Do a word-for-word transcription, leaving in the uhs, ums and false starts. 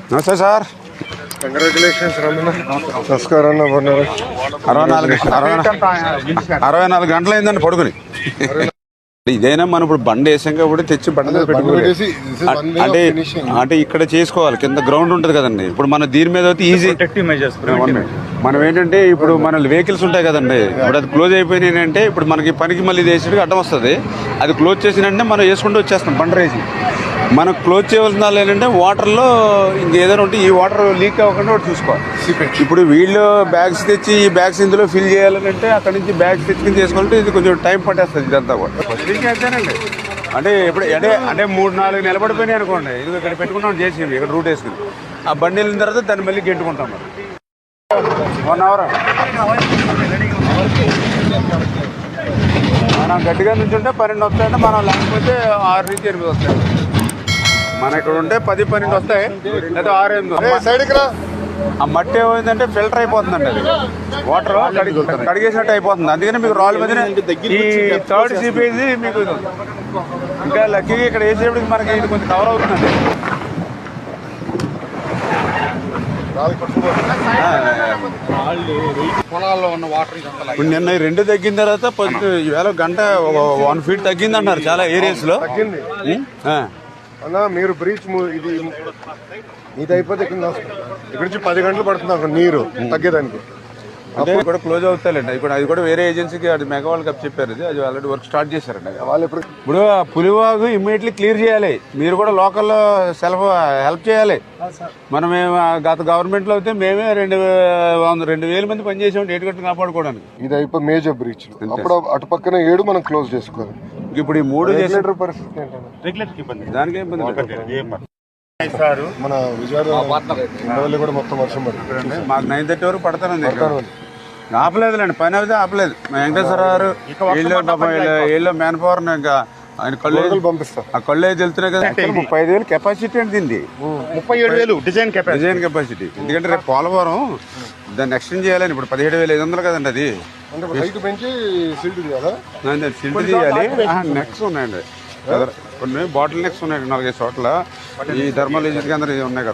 నమస్తే sir. Congratulations Ramana. నమస్కారం అన్న. బాగున్నారు? అరవై నాలుగు అరవై అరవై నాలుగు గంటలు అయిందండి పడుకుని. ఇదైనా మనం ఇప్పుడు బండి వేసాం కాబట్టి తెచ్చి బండి మీద పెట్టుకోవాలి. అంటే అంటే ఇక్కడ చేసుకోవాలి, కింద గ్రౌండ్ ఉంటుంది కదండి. ఇప్పుడు మన దీని మీద అయితే ఈజీ మనం ఏంటంటే ఇప్పుడు మన వెహికల్స్ ఉంటాయి కదండి, ఇప్పుడు అది క్లోజ్ అయిపోయినాయి అంటే ఇప్పుడు మనకి పనికి మళ్ళీ వేసేటికి అడ్డం వస్తుంది. అది క్లోజ్ చేసినంటే మనం వేసుకుంటూ వచ్చేస్తాం బండి రేసి. మనం క్లోజ్ చేయవలసిన వాళ్ళు ఏంటంటే వాటర్లో ఇంకేదైనా ఉంటే ఈ వాటర్ లీక్ అవ్వకుండా ఒకటి చూసుకోవాలి. ఇప్పుడు వీళ్ళు బ్యాగ్స్ తెచ్చి ఈ బ్యాగ్స్ ఇందులో ఫిల్ చేయాలంటే అక్కడ నుంచి బ్యాగ్స్ తెచ్చుకుని చేసుకోవాలంటే ఇది కొంచెం టైం పట్టేస్తుంది ఇదంతా కూడా. అంతేనండి. అంటే ఇప్పుడు అంటే అంటే మూడు నాలుగు నిలబడిపోయినాయి అనుకోండి, ఇది ఇక్కడ పెట్టుకుంటాం చేసి ఇక్కడ రూట్ వేసుకుని ఆ బండి వెళ్ళిన తర్వాత దాన్ని మళ్ళీ గెంటుకుంటాం. మరి వన్ అవర్ మనం గట్టిగా నుంచి ఉంటే పన్నెండు వస్తాయంటే మనం లేకపోతే ఆరు నుంచి ఎనిమిది వస్తాయి. మన ఇక్కడ ఉంటే పది పన్నెండు వస్తాయి లేదా ఆరు ఎనిమిది. ఆ మట్టి ఏమైందంటే ఫిల్టర్ అయిపోతుందండి, అది వాటర్ కడిగేసినట్టు అయిపోతుంది. అందుకని మీకు రాళ్ళ మధ్యన ఈ థర్డ్ సిపేజీ మీకు ఇంకా లక్కీగా ఇక్కడ వేసేప్పటికి మనకి ఇది కొంచెం కవర్ అవుతుందండి. పొలాల్లో ఉన్న వాటర్ ఇప్పుడు నిన్న ఈ రెండు తగ్గిన తర్వాత కొంచెం ఈవేళ గంట వన్ ఫీట్ తగ్గింది అంటున్నారు చాలా ఏరియాస్ లో. తగ్గింది అన్న. మీరు బ్రీచ్ ఇది ఇది అయిపోతే ఇక్కడ ఇక్కడ నుంచి పది గంటలు పడుతుంది అక్కడ నీరు తగ్గేదానికి. అదే కూడా క్లోజ్ అవుతాయండి. ఇప్పుడు అది కూడా వేరే ఏజెన్సీకి అది మెగా వాళ్ళకి అప్ చెప్పారు, అది అది ఆల్రెడీ వర్క్ స్టార్ట్ చేశారండి. వాళ్ళు ఇప్పుడు ఇప్పుడు పులివాగు ఇమ్మీడియట్లీ క్లియర్ చేయాలి. మీరు కూడా లోకల్లో సెల్ఫ్ హెల్ప్ చేయాలి. మనం గత గవర్నమెంట్ లో అయితే మేమే రెండు రెండు వేల మంది పనిచేసాం ఏటు గట్టు కాపాడుకోవడానికి. ఇది అయిపోయి మేజర్ బ్రీచ్. అప్పుడు అటు పక్కన ఏడు మనం క్లోజ్ చేసుకోవాలి. ఇప్పుడు ఈ మూడు చేసే పరిస్థితి ఏంటంటే దానికి ఇబ్బంది. మన విజయవాడ కూడా మొత్తం వర్షం పడుతుంది. మాకు నైన్ థర్టీ వరకు పడతానండి. ఆపలేదులేండి, పని అయితే ఆపలేదు. మా వెంకటేశ్వర గారు వీళ్ళు మ్యాన్ పవర్ ఇంకా ఆయన కళ్ళు పంపిస్తాం. ఆ కళ్ళు అయితే వెళ్తున్నాయి కదా. ముప్పై ఐదు వేలు కెపాసిటీ అండి దీన్ని. ముప్పై ఏడు వేలు డిజైన్ డిజైన్ కెపాసిటీ. ఎందుకంటే రేపు పోలవరం దాన్ని ఎక్స్టెండ్ చేయాలని. ఇప్పుడు పదిహేడు వేల ఐదు వందలు కదండి అది. పెంచి సిల్ట్ తీయాలా? సిల్ట్ తీయాలి. నెక్స్ ఉన్నాయండి కొన్ని బాటిల్ నెక్స్ ఉన్నాయి నాలుగైదు చోట్ల. ఈ థర్మల్ ఏజెన్సీ కేంద్రం ఉన్నాయి కదా.